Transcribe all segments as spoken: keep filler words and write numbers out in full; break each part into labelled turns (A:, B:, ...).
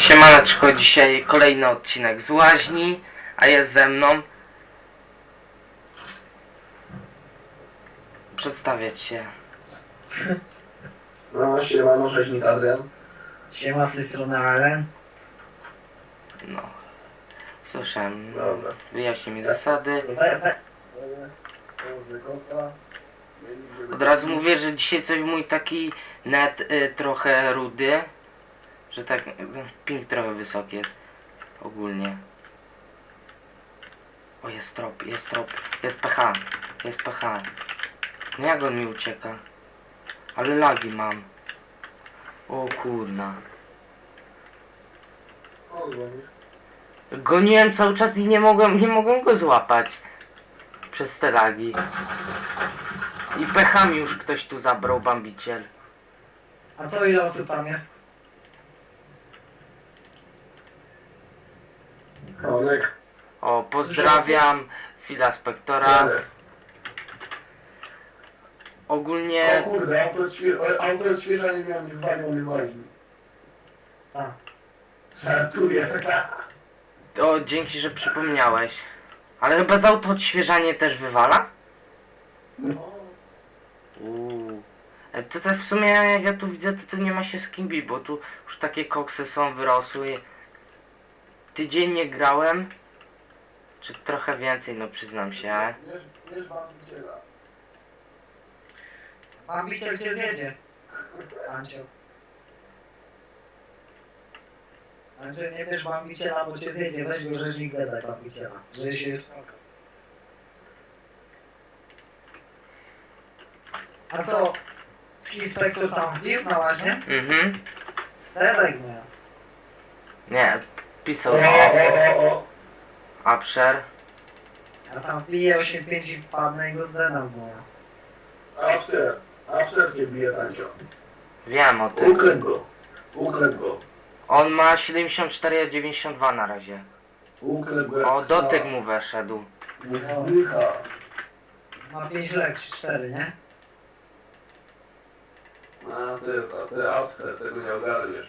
A: Siemaneczko, dzisiaj kolejny odcinek z łaźni, a jest ze mną. Przedstawiać się.
B: No, siemano, rzeźnik Adrian.
C: Siema, z tej strony Aren.
A: No. Słyszałem.
B: Dobra.
A: Wyjaśnij mi zasady.
C: We, we.
A: Od razu mówię, że dzisiaj coś mój taki net y, trochę rudy. Że tak, y, ping trochę wysoki jest. Ogólnie. O, jest trop, jest trop. Jest pH. Jest pH. No jak on mi ucieka? Ale lagi mam. O kurna. Goniłem cały czas i nie mogłem, nie mogłem go złapać. Przez te lagi. I pechami już ktoś tu zabrał, bambiciel.
C: A co, ile osób tam jest?
B: Konek.
A: O, pozdrawiam Fila Spektora.
B: O
A: Ogólnie
B: kurde, auto odświe- auto odświeżania miałem w walionych łaźni.
C: Tak.
B: Żartuję.
A: o, dzięki, że przypomniałeś. Ale chyba z auto odświeżanie też wywala?
B: No.
A: Uuu. E, To też w sumie jak ja tu widzę, to tu nie ma się z kim bić, bo tu już takie koksy są wyrosły. Tydzień nie grałem. Czy trochę więcej, no przyznam się.
B: Nie, nie bambiciela.
C: Bambiciel cię zjedzie. Ancio. Ancio, nie bierz bambiciela, bo cię zjedzie. Weź go, rzeźnik gadaj bambiciela. Że się jest... A co? Inspektor tam wbił na łaźnie?
A: Mhm.
C: Terek miał.
A: Nie,
B: O,
A: pisał
B: o, o, o.
A: Upsher.
C: Ja tam wbiję osiem pięć i wpadnę i go zdedam moja.
B: After. After cię bije, Tancio.
A: Wiem o tym.
B: Uklep go. Uklep go.
A: On ma siedemdziesiąt cztery, a dziewięćdziesiąt dwa na razie.
B: Uklep go jak
A: O,
B: psa.
A: dotyk mu weszedł.
B: Niech zdycha.
C: Ma pięć lek, czy cztery, nie?
B: A, to jest, a ty After, tego nie ogarniesz.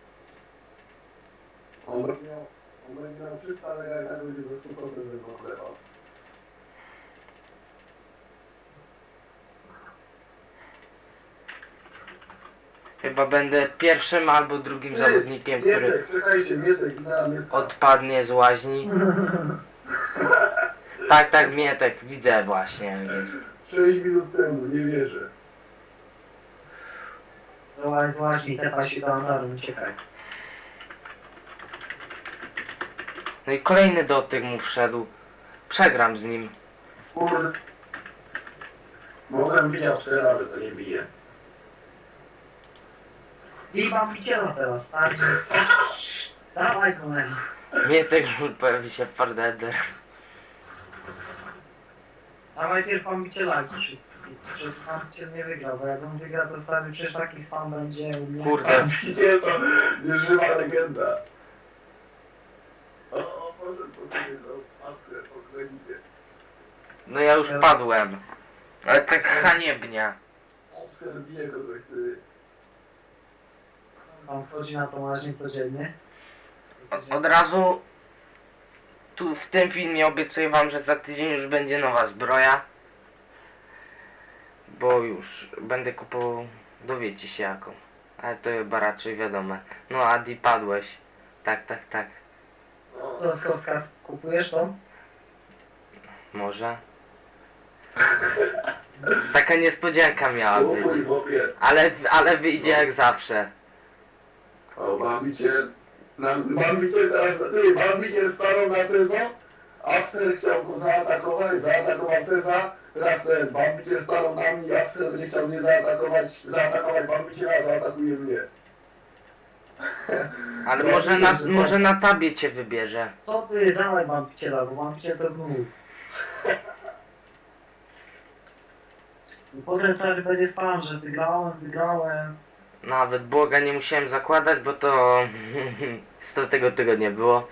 B: On będzie miał, on będzie miał trzysta, ale ja i tak będzie do stu procent wyklepał.
A: Chyba będę pierwszym albo drugim zawodnikiem, który
B: Mietek, czekajcie, Mietek, na Mietka.
A: odpadnie z łaźni. Tak, tak, Mietek, widzę właśnie. Więc.
B: sześć minut temu, nie wierzę.
C: Była z łaźni, tepa się do Andaru, uciekaj.
A: No i kolejny dotyk mu wszedł. Przegram z nim.
B: Kurde. Mogłem widział strzela, że to nie bije.
C: I bambiciela teraz, stary. Dawaj go, men.
A: Mietek pojawi się Fardeder.
C: A najpierw bambiciela, żeby bambiciel nie wygrał, bo jak on wygra, to stary przecież taki spam będzie u mnie.
A: Kurde.
B: Widzicie to? Nieżywa legenda. O, o Boże, poczekaj, to After, pokoicie.
A: No ja już padłem. Ale tak haniebnie.
B: After bije kogoś, ty.
C: On wchodzi na tą łaźnię codziennie.
A: Od, od razu tu w tym filmie obiecuję wam, że za tydzień już będzie nowa zbroja. Bo już będę kupował, dowiecie się jaką. Ale to chyba raczej wiadome. No Adi, padłeś. Tak, tak, tak.
C: To z kostka kupujesz to?
A: Może. Taka niespodzianka miała być.
B: Kupuj w opie.
A: Ale, ale wyjdzie jak zawsze.
B: O, bambiciel. Na- Bambiciel teraz, ty, bambiciel stanął na Teza. After chciał go zaatakować, zaatakował Teza. Teraz ten bambiciel stanął na mnie i After będzie chciał mnie zaatakować, zaatakować bambiciela, zaatakuje mnie.
A: Ale może na, może na tabie cię wybierze.
C: Co ty, dawaj bambiciela, bo bambiciel to gnój. I potem stary będzie spam, że wygrałem, wygrałem.
A: Nawet błoga nie musiałem zakładać, bo to sto tego tygodnia było.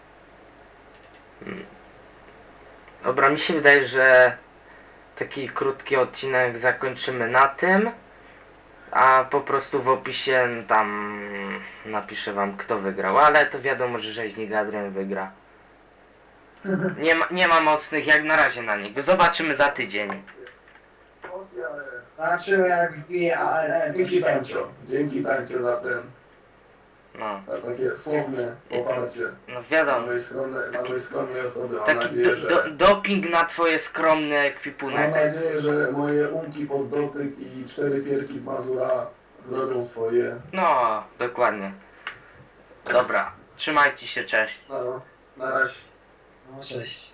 A: Mm. Dobra, mi się wydaje, że taki krótki odcinek zakończymy na tym. A po prostu w opisie tam napiszę wam kto wygrał, ale to wiadomo, że rzeźnik Adrian wygra. Nie ma, nie ma mocnych jak na razie na niego. Zobaczymy za tydzień.
C: Zobaczymy jak wbije A R L.
B: Dzięki Tancio, dzięki Tancio za ten,
A: No,
B: za takie słowne poparcie.
A: no
B: Na
A: wiadomo.
B: mojej skromnej, na mojej skromnej osoby. Mam
A: Taki
B: nadzieję,
A: do,
B: że...
A: do, doping na twoje skromny
B: Mam
A: ekwipunek.
B: nadzieję, że moje umki pod dotyk i cztery pierki z Mazura zrobią swoje.
A: No, dokładnie. Dobra, trzymajcie się, cześć.
B: No, na razie.
C: No cześć.